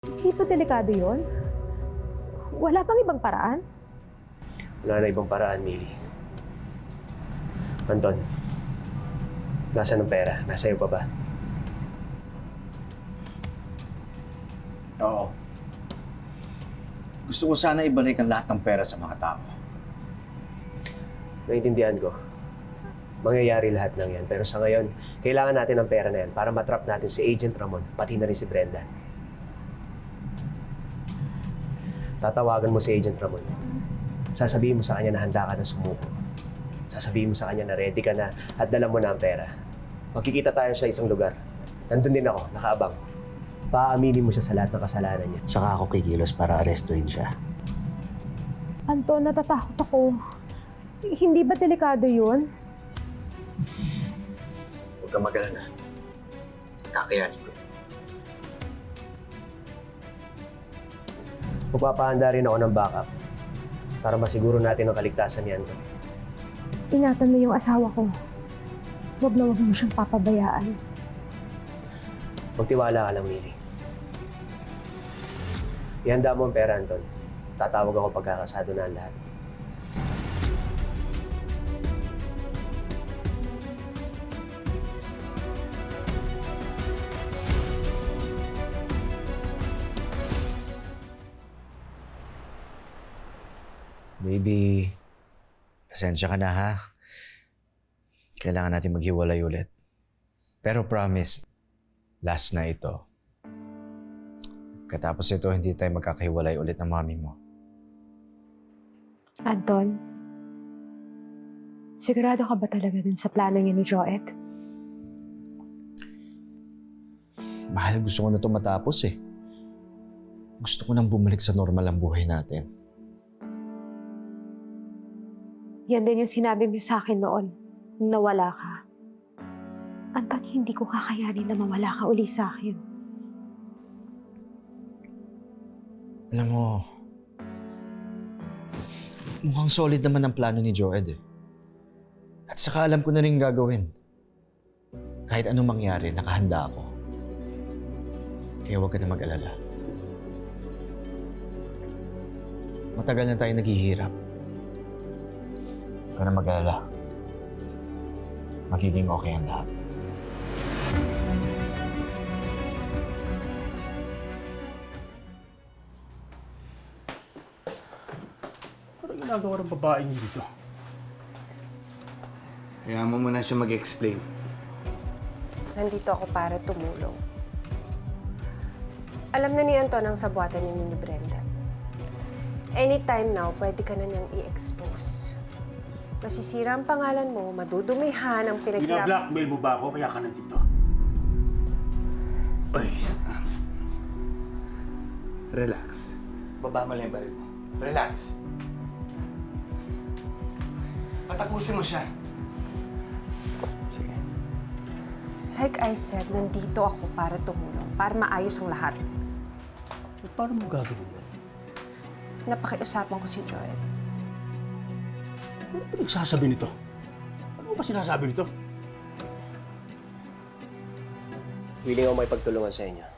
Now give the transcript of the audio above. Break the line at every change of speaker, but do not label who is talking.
Hindi pa delikado yun? Wala pang ibang paraan?
Wala na ibang paraan, Millie. Anton, nasaan ang pera? Nasa iyo pa ba?
Oo. Gusto ko sana ibalik ang lahat ng pera sa mga tao.
Naintindihan ko. Mangyayari lahat ng yan. Pero sa ngayon, kailangan natin ng pera na yan para matrap natin si Agent Ramon, pati na rin si Brenda. Tatawagan mo si Agent Ramon. Sasabihin mo sa kanya na handa ka na sumuko. Sasabihin mo sa kanya na ready ka na at dala mo na ang pera. Magkikita tayo sa isang lugar. Nandun din ako, nakaabang. Paaminin mo siya sa lahat ng kasalanan niya.
Saka ako kikilos para arestuhin siya.
Anton, natatakot ako. Hindi ba delikado yun?
Huwag kang mag-alala. Kakayanin ko.
Magpapahanda rin ako ng backup para masiguro natin ang kaligtasan ni Anton.
Ingatan mo yung asawa ko. Huwag na huwag mo siyang papabayaan.
Magtiwala ka lang, Millie. Ihanda mo ang pera, Anton. Tatawag ako pagkakasado na ang lahat.
Baby, pasensya ka na ha. Kailangan natin maghiwalay ulit. Pero promise, last na ito. Katapos ito, hindi tayo magkakahiwalay ulit ng mami mo.
Anton, sigurado ka ba talaga dun sa plano niya ni Joet?
Mahal, gusto ko na ito matapos eh. Gusto ko nang bumalik sa normal ang buhay natin.
Yan din yung sinabi mo sa akin noon, nung nawala ka. Anton, hindi ko kakayanin na mawala ka uli sa akin.
Alam mo, mukhang solid naman ang plano ni Joed eh. At saka alam ko na rin gagawin. Kahit anong mangyari, nakahanda ako. Kaya huwag ka na mag-alala. Matagal na tayo naghihirap. Huwag ka na mag-alala. Magiging okay ang lahat.
Ano ginagawa ng babaeng yun dito?
Kaya mo muna siya mag-explain.
Nandito ako para tumulong. Alam na ni Anton ang sabuatan niya ni Brenda. Anytime now, pwede ka na niyang i-expose. Masisira ang pangalan mo, madudumihan ang pinaghirap...
Bina-blackmail mo ba ako kaya ka nandito?
Oy, relax. Baba mo lang yung baril mo. Relax. Patapusin mo siya.
Sige.
Like I said, nandito ako para tumulong, para maayos ang lahat.
Eh, paano mo gagawin yan?
Napakiusapan ko si Joel.
Ano pinagsasabi nito? Ano ba sinasabi nito?
Willing ako may pagtulungan sa inyo.